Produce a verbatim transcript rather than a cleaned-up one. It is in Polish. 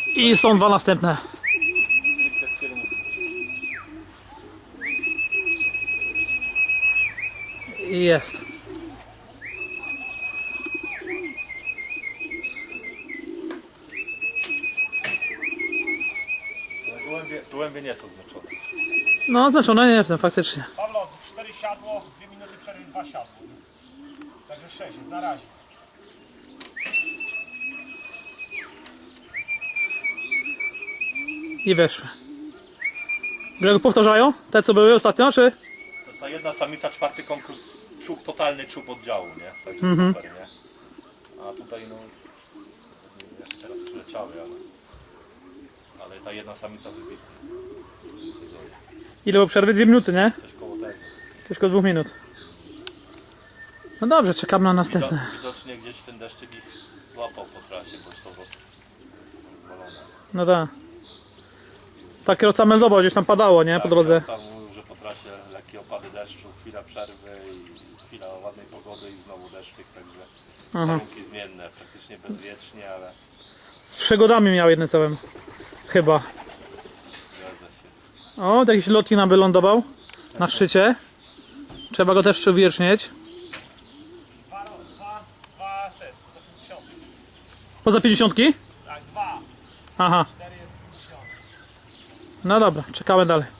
I są dwa następne. I jest. Gołębie, gołębie nie są zmęczone. No, znaczone nie jestem, faktycznie. Pawlo, cztery siadło, dwie minuty przerwy, dwa siadło. Także sześć jest na razie. I weszły. Grego powtarzają? Te co były ostatnio, czy? To ta jedna samica, czwarty konkurs, czub, totalny czub oddziału, nie? Także Mhm. super, nie? A tutaj no, jak teraz przyleciały, ale, ale ta jedna samica wybitnie. Ile było przerwy? Dwie minuty, nie? Coś koło tego. Coś koło dwóch minut. No dobrze, czekam na następne. Wido- Widocznie gdzieś ten deszczyk ich złapał po trasie, bo są roz, rozwalone. No tak. Ta kierowca meldował, gdzieś tam padało, nie? Po drodze. Tam mówił, że po trasie lekkie opady deszczu, chwila przerwy i chwila ładnej pogody i znowu deszczyk, także Aha. warunki zmienne, praktycznie bezwiecznie, ale Z przygodami miał jednym słowem. Chyba. zgadza się. O, jakiś lotnik nam wylądował. Na szczycie. Trzeba go też uwiecznić. Dwa, dwa, dwa test, poza pięćdziesiąt. Poza pięćdziesiątki? Tak, dwa, Aha. cztery jest pięćdziesiąt. No dobra, czekamy dalej.